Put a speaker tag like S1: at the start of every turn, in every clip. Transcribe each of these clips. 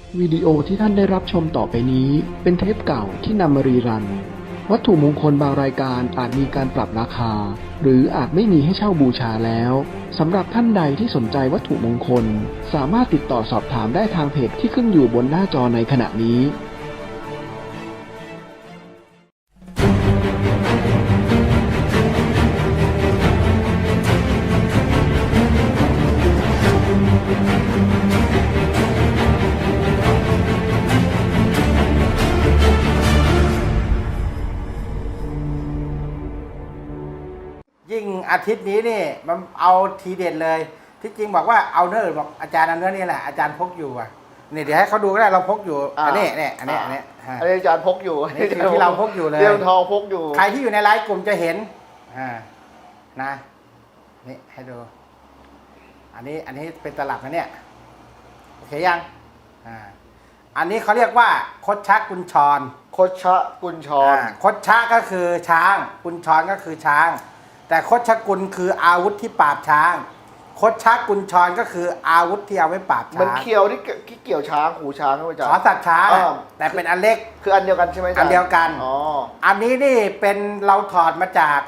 S1: วิดีโอที่ท่านได้รับชมต่อไปนี้เป็นเทปเก่าที่นำมารีรันวัตถุมงคลบางรายการอาจมีการปรับราคาหรืออาจไม่มีให้เช่าบูชาแล้วสำหรับท่านใดที่สนใจวัตถุมงคลสามารถติดต่อสอบถามได้ทางเพจที่ขึ้นอยู่บนหน้าจอในขณะนี้
S2: ยิ่งอาทิตย์นี้นี่มันเอาทีเด็ดเลยที่จริงบอกว่าเอาเนื้อบอกอาจารย์เอาเนื้อนี่แหละอาจารย์พกอยู่อ่ะนี่เดี๋ยวให้เขาดูก็ได้เราพกอยู่อันนี้เนี่ยอันนี้
S3: อาจารย์พกอยู่
S2: นี่คือที่เราพกอยู่เลย
S3: เรื่องทองพกอยู่
S2: ใครที่อยู่ในไลฟ์กลุ่มจะเห็นนะนี่ให้ดูอันนี้เป็นตลับนะเนี่ยโอเคยังอันนี้เขาเรียกว่าคดชะกุญชร
S3: คดชะกุญชร
S2: คดชะก็คือช้างกุญชรก็คือช้างแต่คดชะกุลคืออาวุธที่ปราบช้างคดชะกุญชรก็คืออาวุธที่เอาไว้ปราบช้าง
S3: มันเคียวที่เกี่ยวช้างหูช้างใช่ไหมจ๊ะ
S2: ขอสัตว์ช้างแต่เป็นอันเล็ก
S3: คืออันเดียวกันใช่ไหมจ๊ะ
S2: อันเดียวกันอันนี้นี่เป็นเราถอดมาจาก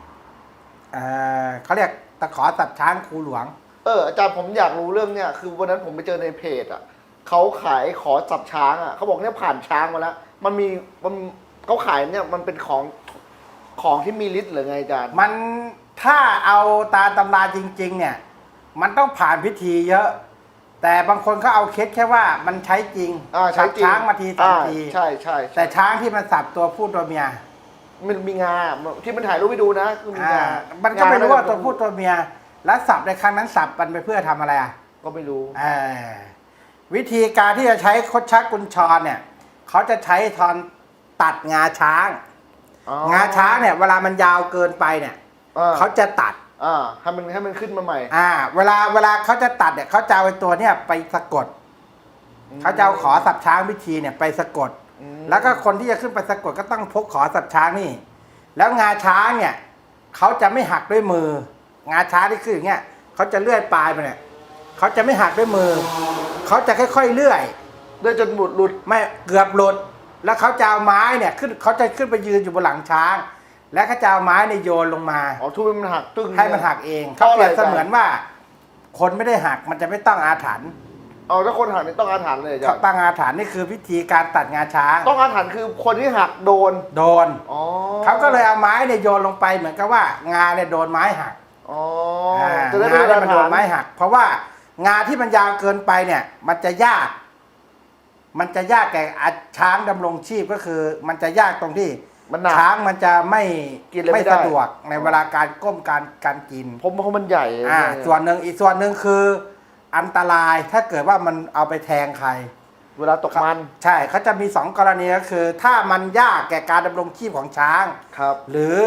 S2: เขาเรียกตะขอสัตว์ช้างครูหลวง
S3: อาจารย์ผมอยากรู้เรื่องเนี่ยคือวันนั้นผมไปเจอในเพจอ่ะเขาขายขอสัตว์ช้างอ่ะเขาบอกเนี่ยผ่านช้างมาแล้วมันเขาขายเนี่ยมันเป็นของที่มีฤทธิ์หรือไงอาจารย์
S2: มันถ้าเอาตามตำราจริงๆเนี่ยมันต้องผ่านพิธีเยอะแต่บางคนเขาเอาเคสแค่ว่ามันใช้จริง
S3: ใช้จริง
S2: ช้างมาทีสองที
S3: ใช่ใช่
S2: แต่ช้างที่มันสับตัวผู้ตัวเมีย
S3: มันมีงาที่มันถ่ายรูปไปดูนะคือมีงา
S2: มันก็ไม่รู้ว่าตัวผู้ตัวเมียแล้วสับในครั้งนั้นสับมันไปเพื่อทำอะไร
S3: ก็ไม่รู้
S2: วิธีการที่จะใช้คดชักกุญชรเนี่ยเขาจะใช้ทอนตัดงาช้างงาช้างเนี่ยเวลามันยาวเกินไปเนี่ยเขาจะตัด
S3: ให้มันขึ้นมาใหม่
S2: เวลาเขาจะตัดเนี่ยเขาจะเอาตัวเนี่ยไปสะกดเขาจะเอาขอสับช้างวิธีเนี่ยไปสะกดแล้วก็คนที่จะขึ้นไปสะกดก็ต้องพกขอสับช้างนี่แล้วงาช้างเนี่ยเขาจะไม่หักด้วยมืองาช้างที่คืออย่างเงี้ยเขาจะเลื่อยปลายไปเนี่ยเขาจะไม่หักด้วยมือเขาจะค่อยๆเลื่อย
S3: จนหลุด
S2: ไม่เกือบหลุดแล้วเขาจะเอาไม้เนี่ยขึ้นเขาจะขึ้นไปยืนอยู่บนหลังช้างและเขาจะเอาไม้ในโยนลงมา
S3: ทุบให้มันหักตึ้ง
S2: ให้มันหักเองเขาเปรียบเสมือนว่าคนไม่ได้หักมันจะไม่ต้องอาถรรพ์
S3: ถ้าคนหักนี่ต้องอาถรรพ์เลย
S2: จ้ะตั้งอาถรรพ์นี่คือพิธีการตัดงาช้าง
S3: ต้องอาถรรพ์คือคนที่หักโดน
S2: เขาก็เลยเอาไม้เนี่ยโยนลงไปเหมือนกับว่างาเนี่ยโดนไม้หัก
S3: จะได้
S2: มันโดนไม้หักเพราะว่างาที่มันยาวเกินไปเนี่ยมันจะยากแก่ช้างดำรงชีพก็คือมันจะยากตรงที่ช้างมันจะไม่สะดวกในเวลาการก้มการกิน
S3: เพราะมันใหญ่
S2: ส่วนหนึ่งอีกส่วนหนึ่งคืออันตรายถ้าเกิดว่ามันเอาไปแทงใคร
S3: เวลาตกมัน
S2: ใช่เขาจะมี2 กรณีก็คือถ้ามันยากแก่การดำรงชีพของช้างหรือ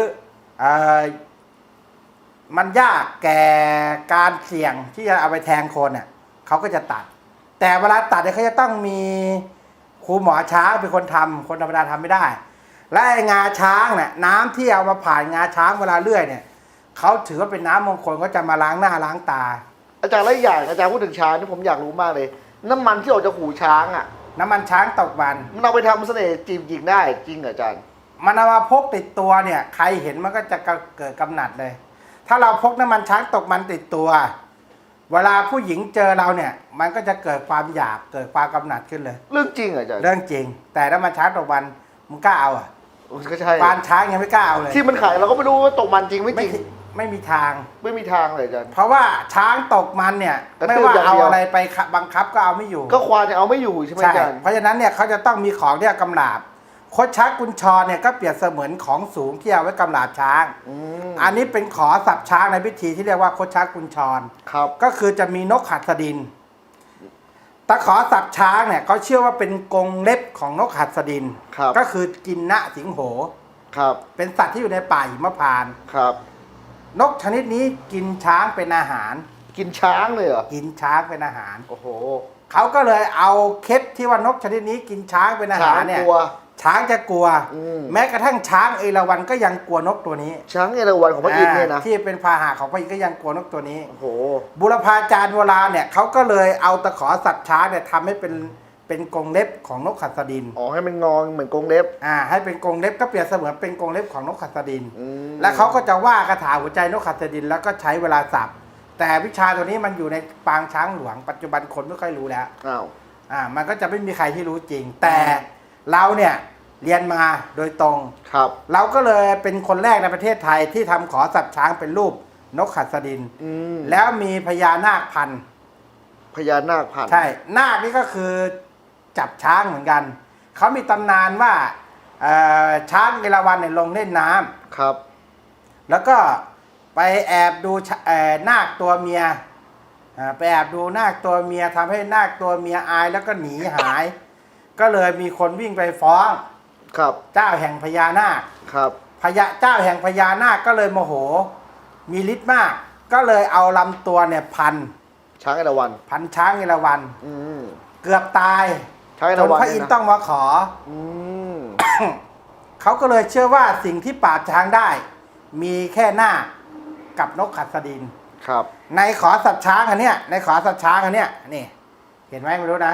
S2: มันยากแก่การเสี่ยงที่จะเอาไปแทงคนเนี่ยเขาก็จะตัดแต่เวลาตัดเนี่ยเขาจะต้องมีครูหมอช้างเป็นคนทำคนธรรมดาทำไม่ได้และงาช้างเนี่ยน้ำที่เอามาผ่านงาช้างเวลาเลื่อยเนี่ยเขาถือว่าเป็นน้ำมงคลก็จะมาล้างหน้าล้างตา
S3: อาจารย์แล้วอย่างอาจารย์พูดถึงช้างนี่ผมอยากรู้มากเลยน้ำมันที่ออกจากหูช้าง
S2: น้ำมันช้างตกมัน
S3: เอาไปทำเสน่ห์จีบหญิงได้จริงเหรออาจารย์
S2: มันเอามาพกติดตัวเนี่ยใครเห็นมันก็จะเกิดกำหนัดเลยถ้าเราพกน้ำมันช้างตกมันติดตัวเวลาผู้หญิงเจอเราเนี่ยมันก็จะเกิดความอยากเกิดความกำหนัดขึ้นเลย
S3: เรื่องจริงเหรออาจารย์
S2: เรื่องจริงแต่น้ำมันช้างตกมันมึงกล้าเอา
S3: ก็ใช่
S2: ปานช้างยังไม่กล้าเอาเลย
S3: ที่มันขายเราก็ไม่รู้ว่าตกมันจริงไม่จริง
S2: ไม่มีทาง
S3: เลยอาจารย์
S2: เพราะว่าช้างตกมันเนี่ยไม่ว่าเอาอะไรไปบังคับก็เอาไม่อยู่
S3: ก็ควานจะเอาไม่อยู่ใช่ไหมอาจารย์
S2: เพราะฉะนั้นเนี่ยเขาจะต้องมีของที่กำราบคดชักกุญชรเนี่ยก็เปรียบเสมือนของสูงที่เอาไว้กำราบช้างอันนี้เป็นขอสับช้างในพิธีที่เรียกว่าคดชักกุญชรก็คือจะมีนกหัสดินตะขอสับช้างเนี่ยเขาเชื่อว่าเป็นกรงเล็บของนกหัสดินก็คือกินนะสิงโหเป็นสัตว์ที่อยู่ในป่าหิมพานต์นกชนิดนี้กินช้างเป็นอาหาร
S3: กินช้างเลยเหรอ
S2: กินช้างเป็นอาหาร
S3: โอ้โห
S2: เขาก็เลยเอาเคล็ดที่ว่านกชนิดนี้กินช้างเป็นอาหารเนี่ยช้างจะกลัวแม้กระทั่งช้างเอราวัณก็ยังกลัวนกตัวนี้
S3: ช้างเอราวัณของพระอินทร์เนี่ยนะ
S2: ที่เป็นพาหะของพระอินทร์ก็ยังกลัวนกตัวนี้
S3: โอ้โห
S2: บุรพาจารย์โบราณเนี่ยเขาก็เลยเอาตะขอสัตว์ช้างเนี่ยทำให้เป็นเป็นกรงเล็บของนกหัสดิน
S3: อ๋อให้มันงอเหมือนกรงเล็บ
S2: ให้เป็นกรงเล็บก็เปรียบเสมือนเป็นกรงเล็บของนกหัสดิน
S3: ม
S2: แล้วเขาก็จะว่าคาถาหัวใจนกหัสดินแล้วก็ใช้เวลาสับแต่วิชาตัวนี้มันอยู่ในปางช้างหลวงปัจจุบันคนไม่ค่อยรู้แล้ว
S3: อ้าว
S2: มันก็จะไม่มีใครที่รู้จริง แต่เราเนี่ยเรียนมาโดยตรง
S3: ครับ
S2: เราก็เลยเป็นคนแรกในประเทศไทยที่ทำขอสับช้างเป็นรูปนกหัสดิน แล้วมีพญานาคพันธุ์
S3: พญานาคพันธุ์
S2: ใช่นาคนี่ก็คือจับช้างเหมือนกันเขามีตำนานว่าช้างเอราวัณเนี่ยลงเล่นน้ำ
S3: ครับ
S2: แล้วก็ไปแอบดูนาคตัวเมียไปแอบดูนาคตัวเมียทำให้นาคตัวเมียอายแล้วก็หนีหาย ก็เลยมีคนวิ่งไปฟ้อง
S3: ครับ
S2: เจ้าแห่งพญานาค
S3: ครับ
S2: เจ้าแห่งพญานาคก็เลยโมโหมีฤทธิ์มาก ก็เลยเอาลำตัวเนี่ยพัน
S3: ช้างเอราวัณ
S2: ช้างเอราวัณ
S3: อืม
S2: เกือบตาย
S3: ช้างเอ
S2: จ
S3: ราน วัณ
S2: พระอินทร์ต้องมาขอ
S3: อืม
S2: เขาก็เลยเชื่อว่าสิ่งที่ปราบช้างได้ มีแค่หน้าคกับนกขัสดิน
S3: ครับ
S2: ในขอสับช้างอันเนี้ยในขอสับช้างอันเนี้ยนี่ เห็นไหมไม่รู้นะ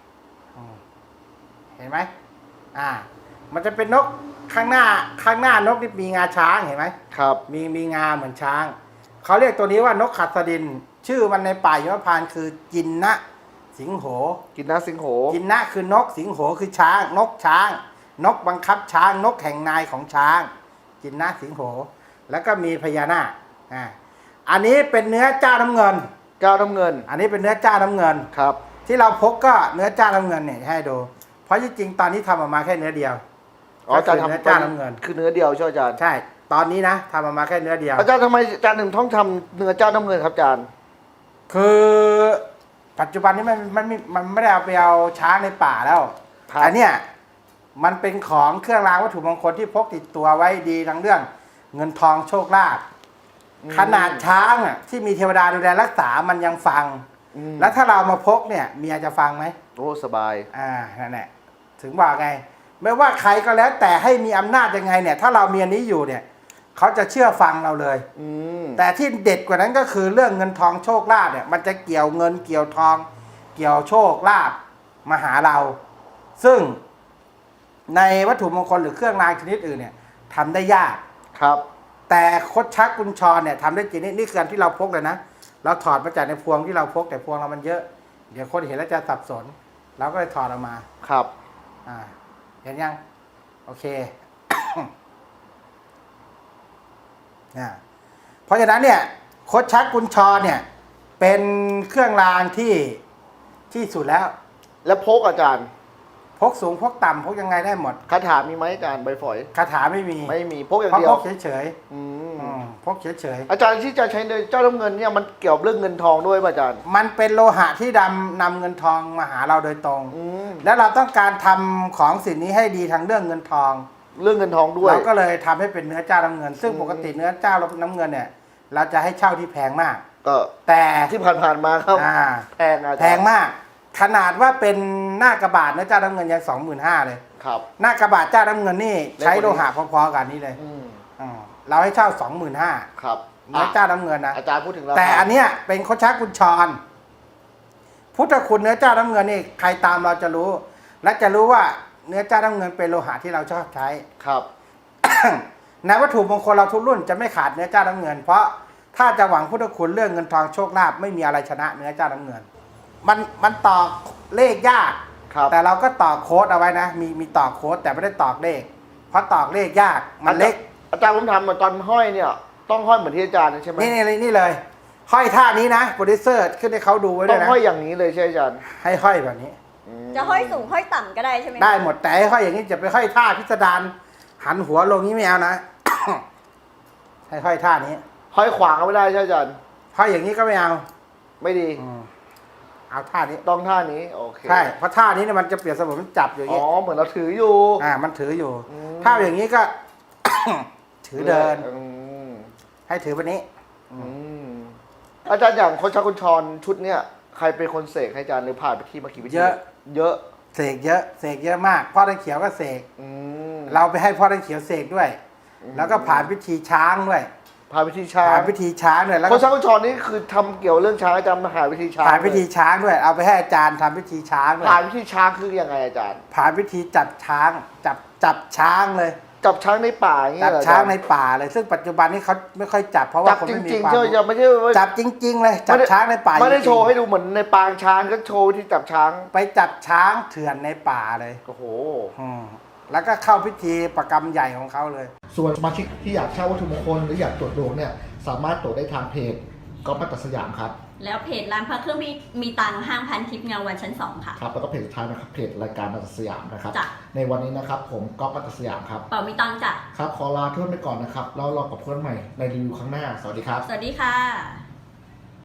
S2: เห็นไหมมันจะเป็นนกข้างหน้านกนี่มีงาช้างเห็นไหม
S3: ครับ
S2: มีงาเหมือนช้างเขาเรียกตัวนี้ว่านกขัสดิน ชื่อมันในป่าหิมพานต์คือจินนะสิงโห
S3: กินน้าสิงโห
S2: จินนะคือนกสิงโหคือช้างนกช้าง นกบังคับช้างนกแห่งนายของช้าง จินนะสิงโห แล้วก็มีพญานาคอันนี้เป็นเนื้อเจ้าน้ำเงิน
S3: เจ้าน้ำเงิน
S2: อันนี้เป็นเนื้อเจ้าน้ำเงิน
S3: ครับ
S2: ที่เราพกก็เนื้อเจ้าน้ำเงินเนี่ยให้ดู เพราะจริงๆตอนนี้ทำออกมาแค่เนื้อเดียว
S3: อ๋ออาจารย์
S2: ก็คือเนื้อ
S3: ทำ
S2: เจ้าน้ำเงิน
S3: คือเนื้อเดียวใช่ไหมอาจารย์
S2: ใช่ ตอนนี้นะทำออกมาแค่เนื้อเดียว
S3: อาจารย์ทำไมอาจารย์ถึงต้องทำเนื้อเจ้าน้ำเงินครับอาจารย์
S2: คือปัจจุบันนี้มันไม่ได้เอาไปเอาช้างในป่าแล้ว
S3: ครับ
S2: อันเนี้ยมันเป็นของเครื่องรางวัตถุมงคลที่พกติดตัวไว้ดีทั้งเรื่องเงินทองโชคลาภขนาดช้างที่มีเทวดาดูแลรักษามันยังฟัง แล้วถ้าเรามาพกเนี่ยเมียจะฟังไหม
S3: โอ้สบาย
S2: นั่นแหละถึงบอกไง ไม่ว่าใครก็แล้วแต่ให้มีอำนาจยังไงเนี่ย ถ้าเรามีอันนี้อยู่เนี่ยเขาจะเชื่อฟังเราเลย แต่ที่เด็ดกว่านั้นก็คือเรื่องเงินทองโชคลาภเนี่ยมันจะเกี่ยวเงินเกี่ยวทอง เกี่ยวโชคลาภมาหาเรา ซึ่งในวัตถุมงคลหรือเครื่องรางชนิดอื่นเนี่ยทำได้ยาก
S3: ครับ
S2: แต่คดชักกุญชรเนี่ยทำได้จริงนี่คืออันที่เราพกเลยนะเราถอดมาจากในพวงที่เราพกแต่พวงเรามันเยอะ เดี๋ยวคนเห็นแล้วจะสับสนเราก็เลยถอดออกมา
S3: ครับ
S2: เห็นยังโอเค เพราะฉะนั้นเนี่ยคดชักกุญชรเนี่ยเป็นเครื่องรางที่สุดแล้ว
S3: แล้วพกอาจารย์
S2: พกสูงพกต่ำพกยังไงได้หมด
S3: คาถามีไหมอาจารย์ใบฝอย
S2: คาถาไม่มี
S3: ไม่มีพกอย่าง
S2: เพราะ
S3: เดีย
S2: พ
S3: ว
S2: กเฉย
S3: อืม
S2: ๆพกเฉย
S3: อาจารย์ที่จะใช้เจ้าน้ำเงินเนี่ยมันเกี่ยวกับเรื่องเงินทองด้วยป่ะอาจารย์
S2: ๆมันเป็นโลหะที่นำเงินทองมาหาเราโดยตรง
S3: อืม
S2: แล้วเราต้องการทำของสิ่งนี้ให้ดีทางเรื่องเงินทอง
S3: เรื่องเงินทองด้วย
S2: เราก็เลยทำให้เป็นเนื้อเจ้าน้ำเงิน ซึ่งปกติเนื้อเจ้าน้ำเงินเนี่ย เราจะให้เช่าที่แพงมาก
S3: ก็
S2: แต่
S3: ที่ผ่านๆมาครับ
S2: อ่า
S3: แพงอาจารย์
S2: แพงมาก ขนาดว่าเป็นหน้ากระบาดเนื้อเจ้าน้ำเงินยัง25,000เลย
S3: ครับ
S2: หน้ากระบาดเจ้าน้ำเงินนี่ใช้โลหะพอๆกันนี้เลย
S3: อืม
S2: เราให้เช่า 25,000
S3: ครับ
S2: เนื้อเจ้าน้ำเงินนะ
S3: อาจารย์พูดถึงราคา
S2: แต่อันเนี้ยเป็นโคชักกุญชร พุทธคุณเนื้อเจ้าน้ำเงินนี่ใครตามเราจะรู้ และจะรู้ว่าเนื้อเจ้าน้ำเงินเป็นโลหะที่เราชอบใช้
S3: ครับ
S2: ในวัตถุมงคลเราทุกรุ่นจะไม่ขาดเนื้อเจ้าน้ำเงิน เพราะถ้าจะหวังพุทธคุณเรื่องเงินทองโชคลาภไม่มีอะไรชนะเนื้อเจ้าน้ำเงิน มันต่อเลขยาก
S3: ครับ
S2: แต่เราก็ต่อโค้ดเอาไว้นะมีต่อโค้ดแต่ไม่ได้ต่อเลข เพราะต่อเลขยากมันเล็ก
S3: อาจารย์ผมทำเหมือนตอนห้อยเนี่ย ต้องห้อยเหมือนที่อาจารย์ใช่ไหม
S2: นี่เลย ห้อยท่านี้นะโปรดิวเซอร์ขึ้นให้เขาดูไว้
S3: ต้
S2: ด้
S3: อ
S2: วย
S3: ง
S2: นะ
S3: ห้อยอย่างนี้เลยใช่ไหมอาจารย์
S2: ให้ห้อยแบบนี้
S4: จะห้อยสูงห้อยต่ำก็ได้ใช่ไหม
S2: ได้หมดแต่ให้ห้อยอย่างนี้จะไปห้อยท่าพิสดารหันหัวลงนี้ไม่เอานะ ให้ห้อยท่านี้
S3: ห้อยขวางก็ไม่ได้ใช่ไหมอาจารย์
S2: ห้อยอย่างนี้ก็ไม่เอา
S3: ไม่ดี
S2: เอาท่านี้
S3: ต้องท่านี้โอเค
S2: ใช่เพราะท่านี้เนี่ยมันจะเปรียบเสมือนมันจับอยู่อย่าง
S3: อ๋
S2: นี้
S3: อเหมือนเราถืออยู่
S2: มันถืออยู่
S3: อืม
S2: ถ้าอย่างนี้ก็ ถือเดิน
S3: อืม
S2: ให้ถือแบบนี้
S3: อืมอาจารย์อย่างคนชักคนชรชุดเนี่ยใครเป็นคนเสกให้อาจารย์หรือผ่านไปที่มากี่วิธี
S2: เยอะ
S3: เยอะ
S2: เสกเยอะเสกเยอะมากพ่อตะเขียวก็เสก
S3: อืม
S2: เราไปให้พ่อตะเขียวเสกด้วย แล้วก็ผ่านพิธีช้างด้วย
S3: ผ่านพิธีช้าง
S2: ผ่านพิธีช้างด้วยแล้ว
S3: โค
S2: ก็
S3: ชากุญชรนี่คือทำเกี่ยวเรื่องช้างอาจารย์มาหาพิธีช้าง
S2: ผ่านพิธีช้างด้วย เอาไปให้อาจารย์ทำพิธีช้างด้วย
S3: ผ่านพิธีช้างคือยังไงอาจารย์
S2: ผ่านพิธีจับช้างจับช้างเลย
S3: จับช้างในป่าอย่างเงี้
S2: จั
S3: ย
S2: บ
S3: เหรอ
S2: ช้าง
S3: อจรย์
S2: ในป่าเลย ซึ่งปัจจุบันนี้เขาไม่ค่อยจับเพราะว่า
S3: จับ
S2: คน
S3: จ
S2: ไม่มี
S3: ริง
S2: ควา
S3: ๆ
S2: ม
S3: ใช่ไหม
S2: รู้
S3: จะไม่ใช่ว่า
S2: จับจริง ๆ เลย จับช้างในป่า
S3: ไม่ได้
S2: จริงๆ
S3: โชว์ให้ดูเหมือนในปางช้างก็โชว์ที่จับช้าง
S2: ไปจับช้างเถื่อนในป่าเลย
S3: โอ้โห
S2: อืมแล้วก็เข้าพิธีประกรรมใหญ่ของเขาเลย
S3: ส่วนสมาชิกที่อยากเช่าวัตถุมงคลหรืออยากตรวจดวงเนี่ยสามารถตรวจได้ทางเพจก๊อฟมัตตสยามครับ
S4: แล้วเพจร้านพระเครื่องมีตังค์ห้างพันทิพย์เงาวันชั้น 2 ค่ะ
S3: ครับแล้วก็เพจสุดท้ายนะครับเพจรายการมัตตสยามนะครับ
S4: จ้ะ
S3: ในวันนี้นะครับผมก๊อฟมัตตสยามครับ
S4: เป่ามีตังค์จ้ะ
S3: ครับขอลาเพื่อนไปก่อนนะครับแล้วรอกับเพื่อนใหม่ในรีวิวครั้งหน้าสวัสดีครับ
S4: สวัสดีค่ะ